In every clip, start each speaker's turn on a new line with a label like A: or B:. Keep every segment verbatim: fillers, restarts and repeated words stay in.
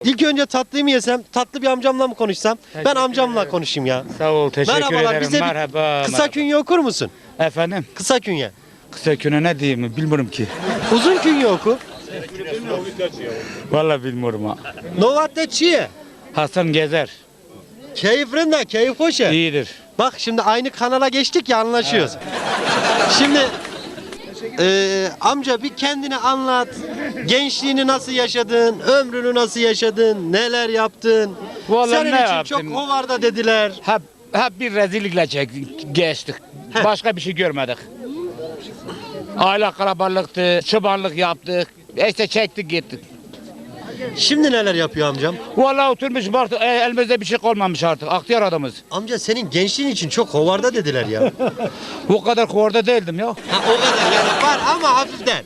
A: İlk önce tatlıyı mı yesem, tatlı bir amcamla mı konuşsam?
B: Teşekkür
A: Ben amcamla
B: ederim.
A: konuşayım ya.
B: Sağ ol, teşekkür
A: Merhabalar,
B: ederim.
A: bize bir
B: Merhaba.
A: kısa
B: merhaba.
A: künye okur musun?
B: Efendim,
A: Kısa künye.
B: kısa küne ne diyeyim bilmiyorum ki.
A: Uzun künye oku.
B: Vallahi bilmiyorum ha.
A: Novatte çiye.
B: Hasan Gezer.
A: Keyifrinde, keyif hoş ya.
B: İyidir.
A: Bak şimdi aynı kanala geçtik ya, anlaşıyoruz. Şimdi eee, amca bir kendini anlat. Gençliğini nasıl yaşadın? Ömrünü nasıl yaşadın? Neler yaptın?
B: Vallahi
A: Senin
B: ne
A: için
B: yaptım?
A: çok hovarda dediler.
B: Hep, hep bir rezillikle çektik, geçtik.
A: Heh.
B: Başka bir şey görmedik. Aile kalabalıktı, çobanlık yaptık. İşte çektik gittik.
A: Şimdi neler yapıyor amcam?
B: Vallahi oturmuş baktık, e, elimizde bir şey kalmamış artık. Aktiyar adamız.
A: Amca senin gençliğin için çok hovarda dediler ya.
B: O kadar kuvarda değildim ya.
A: Ha, o kadar yani var ama hafiften.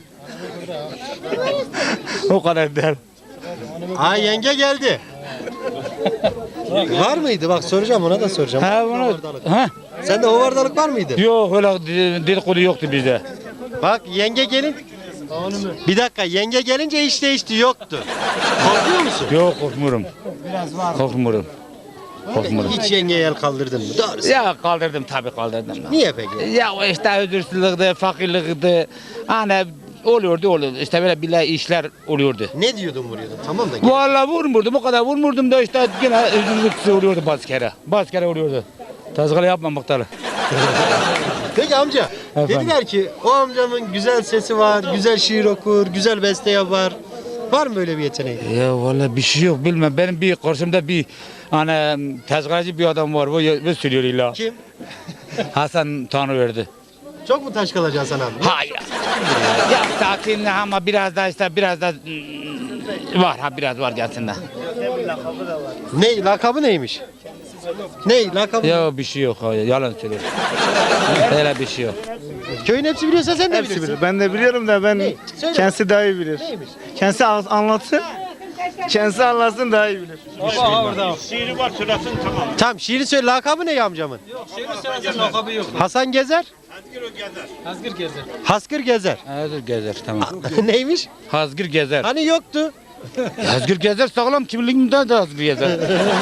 B: O kadar değil.
A: Ay yenge geldi. Var mıydı? Bak soracağım, ona da soracağım.
B: Ha, bunu,
A: Hovardalık.
B: ha?
A: Sende hovardalık var mıydı?
B: Yok öyle dedikodu yoktu bizde.
A: Bak yenge gelin. Bir dakika, yenge gelince iş değişti, yoktu. Korkuyor musun?
B: Yok korkmuyorum. Biraz var. Korkmuyorum. Korkmuyorum.
A: Hiç yengeye el kaldırdın mı? Doğrusu.
B: Ya kaldırdım tabii kaldırdım.
A: Niye peki?
B: Ya o işte özürsüzlükti, fakirlikti. Hani oluyordu oluyordu. İşte böyle bile işler oluyordu.
A: Ne diyordun vuruyordun? Tamam da gel.
B: Vallahi vurmurdum o kadar vurmurdum da işte yine özürsüzlük oluyordu bazı kere. Bazı kere oluyordu. Tazgara yapma muhtarı.
A: Peki amca,
B: Efendim?
A: dediler ki o amcamın güzel sesi var, güzel şiir okur, güzel beste yapar. Var mı böyle bir yeteneği?
B: Ya vallahi bir şey yok bilmem. Benim bir karşımda bir hani tezgahcı bir adam var. Bu, bu söylüyor illa.
A: Kim?
B: Hasan Tanrıverdi.
A: Çok mu taş kalacaksın sen abi?
B: Hayır. Ya sakin ama biraz da işte biraz da mm, var ha biraz var gelsin de.
A: Ne, lakabı neymiş? Ne, lakabı?
B: Ya bir şey yok ha, yalan söylüyor. Öyle bir şey yok.
A: Köyün hepsi biliyorsa sen de
C: Hepsi
A: bilirsin.
C: bilir. Ben de biliyorum da ben
A: Ne? Söyle.
C: kendisi daha iyi bilir.
A: Neymiş?
C: Kendisi an- anlatsın. Kendisi anlatsın daha iyi bilir.
A: Tamam, şiiri söyle, lakabı ne amcamın? Hasan Gezer?
D: Hazgır gezer.
A: Haskır Gezer.
B: Hazgır Gezer tamam.
A: Neymiş?
B: Hazgır Gezer.
A: Hani yoktu.
B: Hazgır Gezer sağlam kimliğimde de Hazgır Gezer.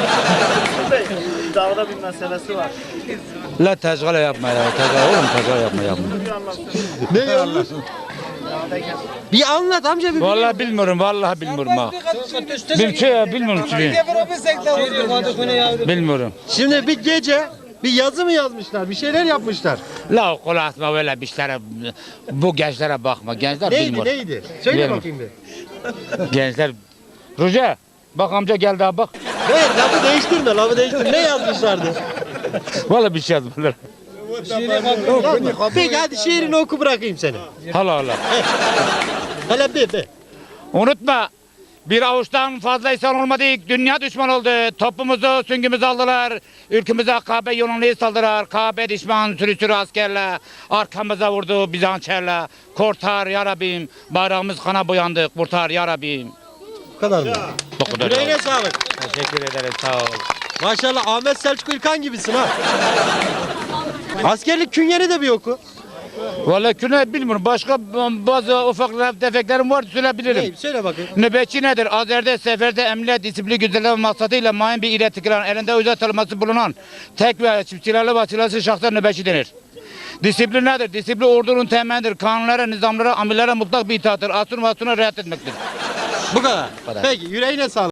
C: Dağda bir meselesi var.
B: La tezgara yapma ya. Tezgara oğlum tezgara yapma yapma.
A: Ne olmuş? Bir anlat amca bir.
B: Vallahi bilmiyorum vallahi bilmiyorum ha. Bir şey ya bilmiyorum ki. Bilmiyorum.
A: Şimdi bir gece bir yazı mı yazmışlar? Bir şeyler yapmışlar.
B: La kol atma öyle bir şeylere. Bu gençlere bakma. Gençler
A: Neydi
B: bilmiyor.
A: neydi? Söyle
B: Bilmiyorum.
A: bakayım bir.
B: Gençler. Ruce bak amca geldi ha bak.
A: Evet, lafı değiştirme, lafı değiştirme. Ne yazmışlardı?
B: Vallahi bir şey yazmadılar.
A: Yazma. Peki hadi şiirini oku, bırakayım seni.
B: Hala hala.
A: Hele bir bir.
B: Unutma. Bir avuçtan fazla insan olmadık. Dünya düşman oldu. Topumuzu, süngümüzü aldılar. Ülkemize Kabe yolunu saldılar. Kabe düşman sürü sürü askerle. Arkamıza vurdu Bizansçerle. Kurtar ya Rabbim. Bayrağımız kana boyandı. Kurtar ya Rabbim.
A: Bu kadar mı?
B: Bu kadar.
A: Yüreğine sağlık.
B: Teşekkür ederim. Sağ ol.
A: Maşallah Ahmet Selçuk İlkan gibisin ha. Askerlik künyeni de bir oku.
B: Vallahi küne bilmiyorum. Başka bazı ufak tefeklerim var söyleyebilirim.
A: Hey, söyle bakayım.
B: Nöbetçi nedir? Azerde, seferde, emniyet, disiplin güzelliği maksadıyla mayın bir ile tıkılan, elinde özel tanıması bulunan tek ve çift silahlı ve silahsız şahsa nöbetçi denir. Disiplin nedir? Disiplin ordunun temelidir. Kanunlara, nizamlara, amirlere mutlak bir itaattır. Asun ve asuna riayet etmektir.
A: Bu kadar.
B: kadar.
A: Peki yüreğine sağlık.